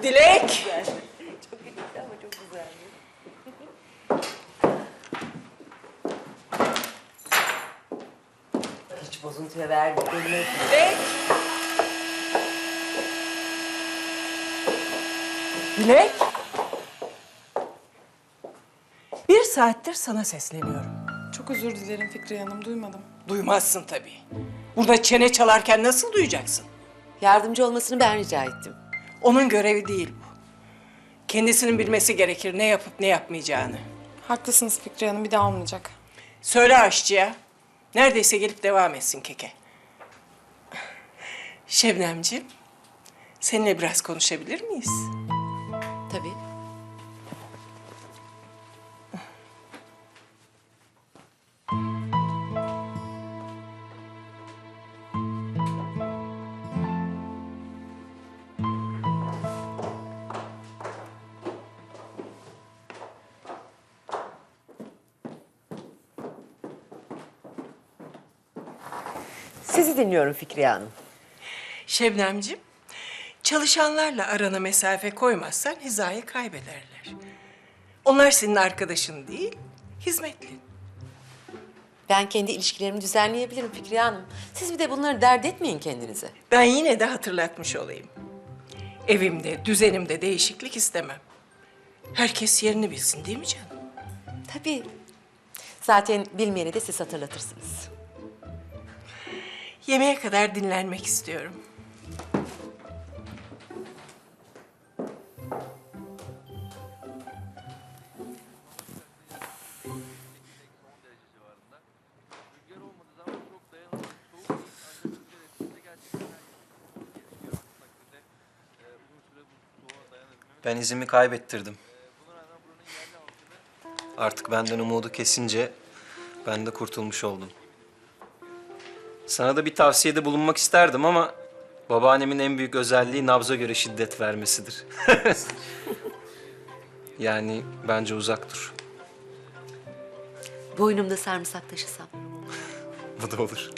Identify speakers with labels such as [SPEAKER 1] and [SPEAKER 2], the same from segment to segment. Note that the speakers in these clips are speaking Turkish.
[SPEAKER 1] Dilek!
[SPEAKER 2] Çok küçüktü ama çok güzeldi. Hiç bozuntuya verdiklerini
[SPEAKER 1] Dilek! Dilek! Bir saattir sana sesleniyorum.
[SPEAKER 3] Çok özür dilerim Fikriye Hanım, duymadım.
[SPEAKER 1] Duymazsın tabii. Burada çene çalarken nasıl duyacaksın?
[SPEAKER 2] Yardımcı olmasını ben rica ettim.
[SPEAKER 1] Onun görevi değil bu. Kendisinin bilmesi gerekir ne yapıp ne yapmayacağını.
[SPEAKER 3] Haklısınız Fikriye Hanım, bir daha olmayacak.
[SPEAKER 1] Söyle aşçıya. Neredeyse gelip devam etsin keke. Şebnemciğim, seninle biraz konuşabilir miyiz?
[SPEAKER 2] Tabii. Sizi dinliyorum Fikriye Hanım.
[SPEAKER 1] Şebnemciğim, çalışanlarla arana mesafe koymazsan hizayı kaybederler. Onlar senin arkadaşın değil, hizmetlin.
[SPEAKER 2] Ben kendi ilişkilerimi düzenleyebilirim Fikriye Hanım. Siz bir de bunları dert etmeyin kendinize.
[SPEAKER 1] Ben yine de hatırlatmış olayım. Evimde, düzenimde değişiklik istemem. Herkes yerini bilsin değil mi canım?
[SPEAKER 2] Tabii. Zaten bilmeyeni de siz hatırlatırsınız.
[SPEAKER 1] Yemeğe kadar dinlenmek istiyorum.
[SPEAKER 4] Ben izimi kaybettirdim. Artık benden umudu kesince ben de kurtulmuş oldum. Sana da bir tavsiyede bulunmak isterdim ama babaannemin en büyük özelliği nabza göre şiddet vermesidir. Yani bence uzak dur.
[SPEAKER 2] Boynumda sarımsak taşısam.
[SPEAKER 4] Bu da olur.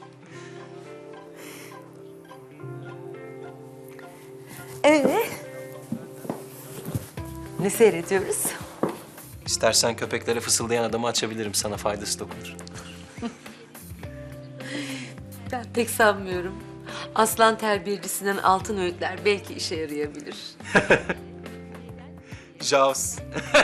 [SPEAKER 2] Ne seyrediyoruz?
[SPEAKER 4] İstersen köpeklere fısıldayan adamı açabilirim. Sana faydası dokunur.
[SPEAKER 2] Ben pek sanmıyorum. Aslan terbiyecisinden altın öğütler belki işe yarayabilir.
[SPEAKER 4] Jaws.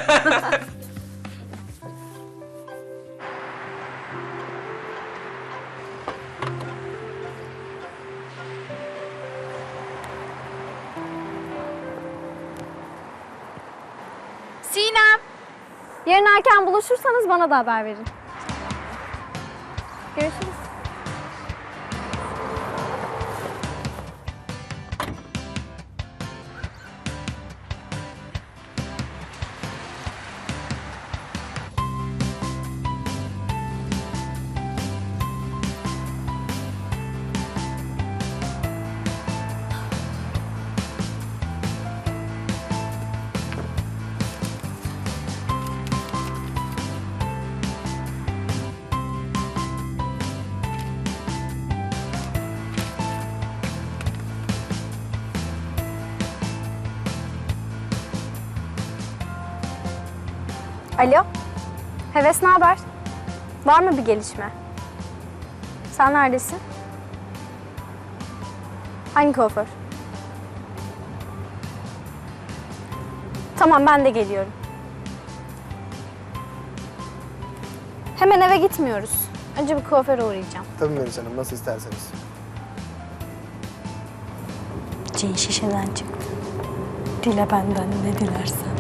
[SPEAKER 5] Sinem! Yarın erken buluşursanız bana da haber verin. Görüşürüz. Alo. Heves, ne haber? Var mı bir gelişme? Sen neredesin? Hangi kuaför? Tamam, ben de geliyorum. Hemen eve gitmiyoruz. Önce bir kuaföre uğrayacağım.
[SPEAKER 6] Tabii Melis Hanım, nasıl isterseniz.
[SPEAKER 5] Cin şişeden çıktı. Dile benden ne dilersen.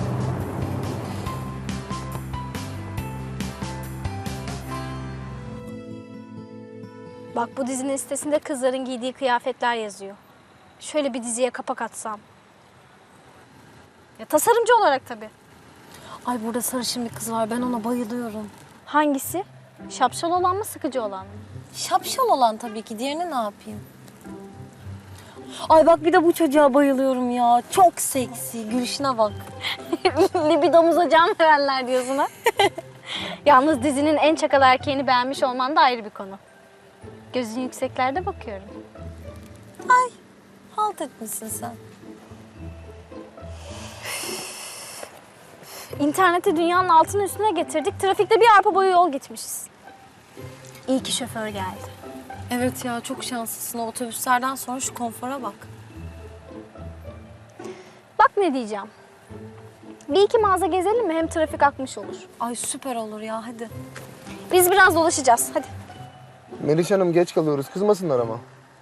[SPEAKER 5] Bak, bu dizinin sitesinde kızların giydiği kıyafetler yazıyor. Şöyle bir diziye kapak atsam. Ya tasarımcı olarak tabii.
[SPEAKER 7] Ay burada sarışın bir kız var. Ben ona bayılıyorum.
[SPEAKER 5] Hangisi? Şapşal olan mı, sıkıcı olan mı?
[SPEAKER 7] Şapşal olan tabii ki. Diğerini ne yapayım? Ay bak bir de bu çocuğa bayılıyorum ya. Çok seksi. Gülüşüne bak.
[SPEAKER 5] Libidomuza can verenler diyorsun ha? Yalnız dizinin en çakal erkeğini beğenmiş olman da ayrı bir konu. Gözün yükseklerde bakıyorum.
[SPEAKER 7] Ay halt etmişsin sen.
[SPEAKER 5] İnterneti dünyanın altının üstüne getirdik. Trafikte bir arpa boyu yol gitmişiz. İyi ki şoför geldi.
[SPEAKER 7] Evet ya çok şanslısın. O otobüslerden sonra şu konfora bak.
[SPEAKER 5] Bak ne diyeceğim. Bir iki mağaza gezelim mi? Hem trafik akmış olur.
[SPEAKER 7] Ay süper olur ya hadi.
[SPEAKER 5] Biz biraz dolaşacağız. Hadi.
[SPEAKER 6] Meriç Hanım geç kalıyoruz. Kızmasınlar ama.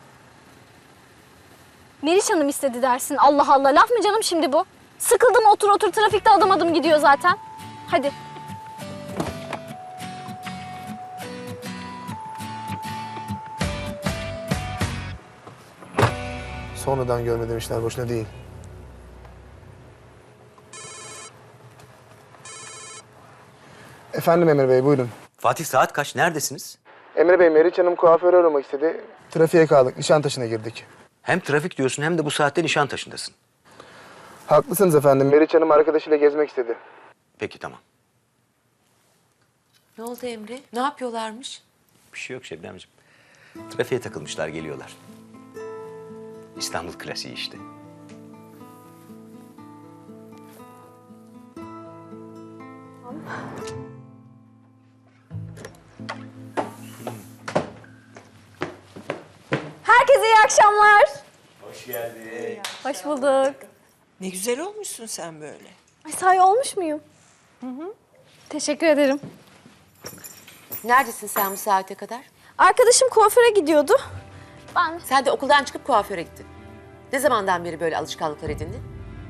[SPEAKER 5] Meriç Hanım istedi dersin. Allah Allah. Laf mı canım şimdi bu? Sıkıldım otur otur. Trafikte adım adım gidiyor zaten. Hadi.
[SPEAKER 6] Sonradan görme demişler. Boşuna değil. Efendim Emre Bey buyurun.
[SPEAKER 8] Fatih saat kaç? Neredesiniz?
[SPEAKER 6] Emre Bey Meriç Hanım kuaförü aramak istedi. Trafiğe kaldık. Nişantaşı'na girdik.
[SPEAKER 8] Hem trafik diyorsun hem de bu saatte Nişantaşı'ndasın.
[SPEAKER 6] Haklısınız efendim. Meriç Hanım arkadaşıyla gezmek istedi.
[SPEAKER 8] Peki tamam.
[SPEAKER 2] Ne oldu Emre? Ne yapıyorlarmış?
[SPEAKER 8] Bir şey yok Şebnemciğim. Trafiğe takılmışlar geliyorlar. İstanbul klasiği işte.
[SPEAKER 5] Herkese iyi akşamlar. Hoş geldin. Hoş bulduk.
[SPEAKER 1] Ne güzel olmuşsun sen böyle.
[SPEAKER 5] Ay sahi olmuş muyum? Teşekkür ederim.
[SPEAKER 2] Neredesin sen bu saate kadar?
[SPEAKER 5] Arkadaşım kuaföre gidiyordu. Ben
[SPEAKER 2] Sen de okuldan çıkıp kuaföre gittin. Ne zamandan beri böyle alışkanlıklar edindin?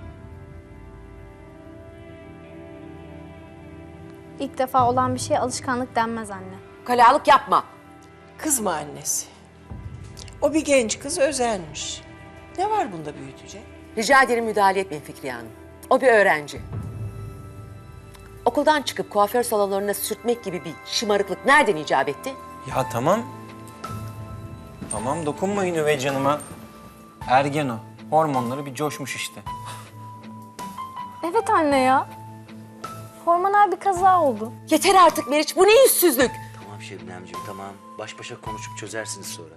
[SPEAKER 5] ilk defa olan bir şeye alışkanlık denmez anne.
[SPEAKER 2] Kalalık yapma.
[SPEAKER 1] Kızma annesi. O bir genç kız özenmiş. Ne var bunda büyütecek?
[SPEAKER 2] Rica ederim müdahale etmeyin Fikriye Hanım. O bir öğrenci. Okuldan çıkıp kuaför salonlarına sürtmek gibi bir şımarıklık nereden icap etti?
[SPEAKER 4] Ya tamam. Tamam dokunmayın üvey canıma. Ergen o. Hormonları bir coşmuş işte.
[SPEAKER 5] Evet anne ya. Hormonal bir kaza oldu.
[SPEAKER 2] Yeter artık Meriç, bu ne yüzsüzlük?
[SPEAKER 8] Tamam Şebnemciğim tamam. Baş başa konuşup çözersiniz sonra.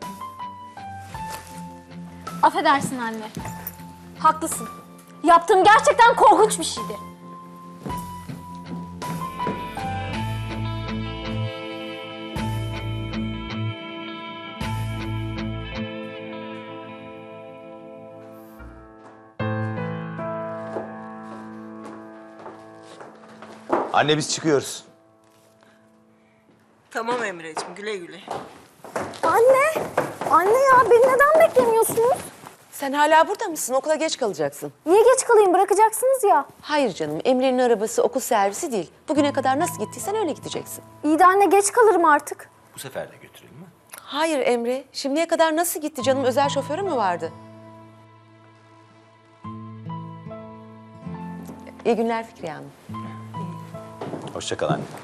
[SPEAKER 5] Affedersin anne. Haklısın. Yaptığım gerçekten korkunç bir şeydi.
[SPEAKER 8] Anne biz çıkıyoruz.
[SPEAKER 1] Tamam Emre'ciğim güle güle.
[SPEAKER 5] Anne! Anne ya beni neden beklemiyorsunuz?
[SPEAKER 2] Sen hala burada mısın? Okula geç kalacaksın.
[SPEAKER 5] Niye geç kalayım? Bırakacaksınız ya.
[SPEAKER 2] Hayır canım, Emre'nin arabası okul servisi değil. Bugüne kadar nasıl gittiysen öyle gideceksin.
[SPEAKER 5] İyi de anne geç kalırım artık.
[SPEAKER 8] Bu sefer de götürelim mi?
[SPEAKER 2] Hayır Emre, şimdiye kadar nasıl gitti canım? Özel şoförü mü vardı? İyi günler Fikriye Hanım.
[SPEAKER 8] Hoşça kal anne.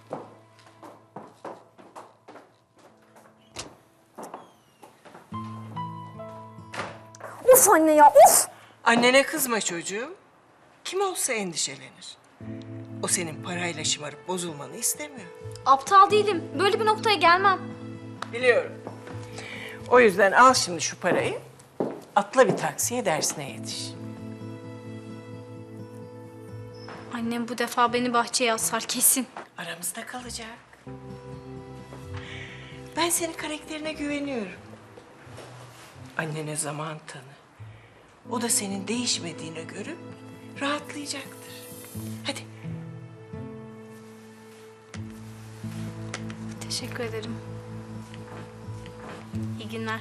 [SPEAKER 5] Of anne ya of!
[SPEAKER 1] Annene kızma çocuğum. Kim olsa endişelenir. O senin parayla şımarıp bozulmanı istemiyor.
[SPEAKER 5] Aptal değilim. Böyle bir noktaya gelmem.
[SPEAKER 1] Biliyorum. O yüzden al şimdi şu parayı. Atla bir taksiye dersine yetiş.
[SPEAKER 5] Annem bu defa beni bahçeye asar kesin.
[SPEAKER 1] Aramızda kalacak. Ben senin karakterine güveniyorum. Annene zaman tanı. O da senin değişmediğini görüp rahatlayacaktır. Hadi.
[SPEAKER 5] Teşekkür ederim. İyi günler.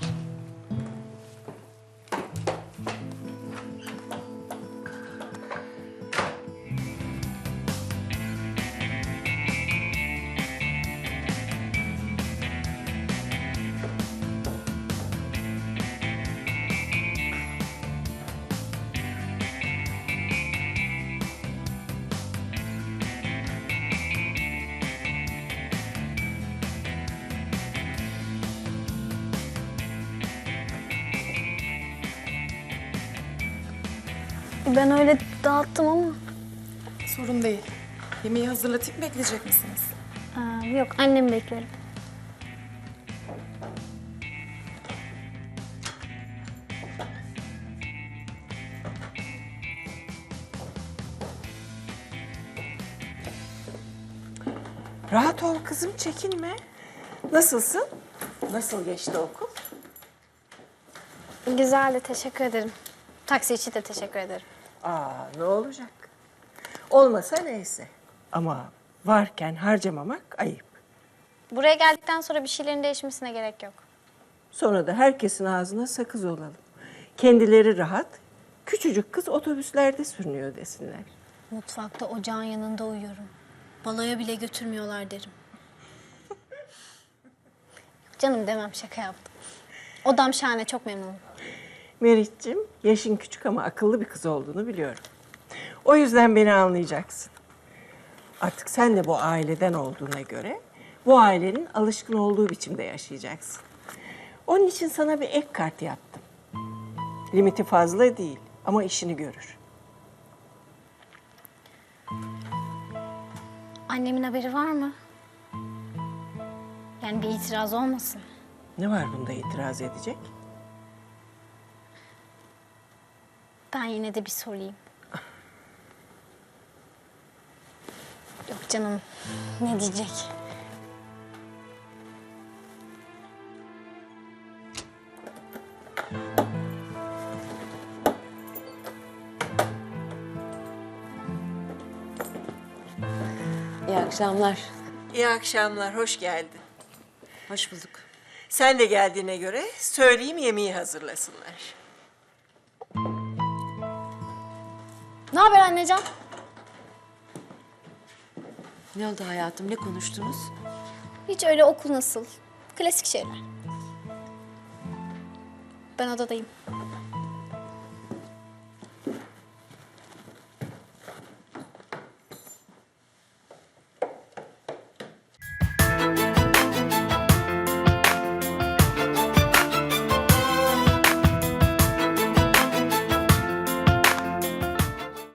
[SPEAKER 5] Ben öyle dağıttım ama.
[SPEAKER 3] Sorun değil. Yemeği hazırlatıp bekleyecek misiniz?
[SPEAKER 5] Yok annemi beklerim.
[SPEAKER 1] Rahat ol kızım, çekinme. Nasılsın? Nasıl geçti okul?
[SPEAKER 5] Güzeldi, teşekkür ederim. Taksi için de teşekkür ederim.
[SPEAKER 1] Ne olacak? Olmasa neyse. Ama varken harcamamak ayıp.
[SPEAKER 5] Buraya geldikten sonra bir şeylerin değişmesine gerek yok.
[SPEAKER 1] Sonra da herkesin ağzına sakız olalım. Kendileri rahat, küçücük kız otobüslerde sürünüyor desinler.
[SPEAKER 5] Mutfakta ocağın yanında uyuyorum. Baloya bile götürmüyorlar derim. Canım demem, şaka yaptım. Odam şahane, çok memnunum.
[SPEAKER 1] Meriç'cim, yaşın küçük ama akıllı bir kız olduğunu biliyorum. O yüzden beni anlayacaksın. Artık sen de bu aileden olduğuna göre bu ailenin alışkın olduğu biçimde yaşayacaksın. Onun için sana bir ek kart yaptım. Limiti fazla değil ama işini görür.
[SPEAKER 5] Annemin haberi var mı? Yani bir itiraz olmasın.
[SPEAKER 1] Ne var bunda itiraz edecek?
[SPEAKER 5] Ben yine de bir sorayım. Yok canım, ne diyecek?
[SPEAKER 2] İyi akşamlar.
[SPEAKER 1] İyi akşamlar, hoş geldin.
[SPEAKER 2] Hoş bulduk.
[SPEAKER 1] Sen de geldiğine göre söyleyeyim yemeği hazırlasınlar.
[SPEAKER 5] Ne haber annecan?
[SPEAKER 2] Ne oldu hayatım? Ne konuştunuz?
[SPEAKER 5] Hiç öyle, okul nasıl? Klasik şeyler. Ben odadayım.